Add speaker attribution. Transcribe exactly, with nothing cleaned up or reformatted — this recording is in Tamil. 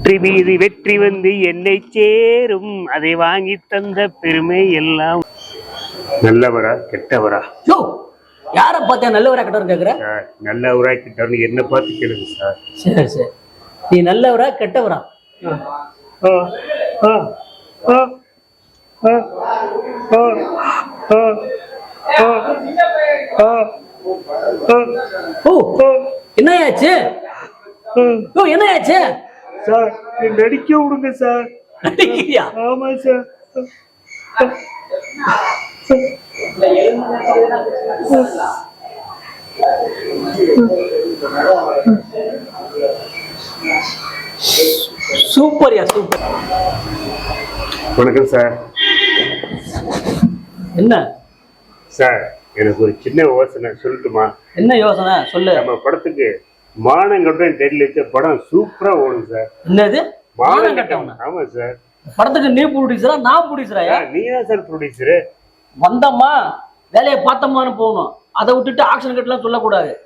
Speaker 1: வெற்றி மீது வெற்றி வந்து என்னை சேரும், அதை வாங்கி தந்த பெருமை எல்லாம். நல்லவரா கெட்டவரா?
Speaker 2: யோ, யார பார்த்தா நல்லவரா கெட்டவரா கேக்குற?
Speaker 1: நல்லவரா கெட்டவரா என்ன பார்த்து கேளுங்க சார்.
Speaker 2: சரி சரி, நீ நல்லவரா கெட்டவரா? ஓ, என்னயாச்சு? ஓ, என்னயாச்சு
Speaker 1: சார்? நடிக்க விடுங்க சார்.
Speaker 2: நடிக்கிறியா?
Speaker 1: ஆமா சார்.
Speaker 2: சூப்பர்யா சூப்பர்.
Speaker 1: வணக்கம் சார்.
Speaker 2: என்ன
Speaker 1: சார், எனக்கு ஒரு சின்ன யோசனை சொல்லட்டுமா?
Speaker 2: என்ன யோசனை சொல்லு.
Speaker 1: நம்ம படத்துக்கு மானங்கட்டம் டைட்டில் வச்ச படம் சூப்பரா ஓடும் சார்.
Speaker 2: என்னது மானங்கட்டம்?
Speaker 1: ஆமா சார்.
Speaker 2: படத்துக்கு நீ ப்ரொடியூசரா நான் ப்ரொடியூசரா?
Speaker 1: நீ தான் சார் ப்ரொடியூசரு.
Speaker 2: வந்தம்மா வேலையை பார்த்தம்மான்னு போகணும், அதை விட்டுட்டு ஆக்ஷன் கட்டலாம் சொல்லக்கூடாது.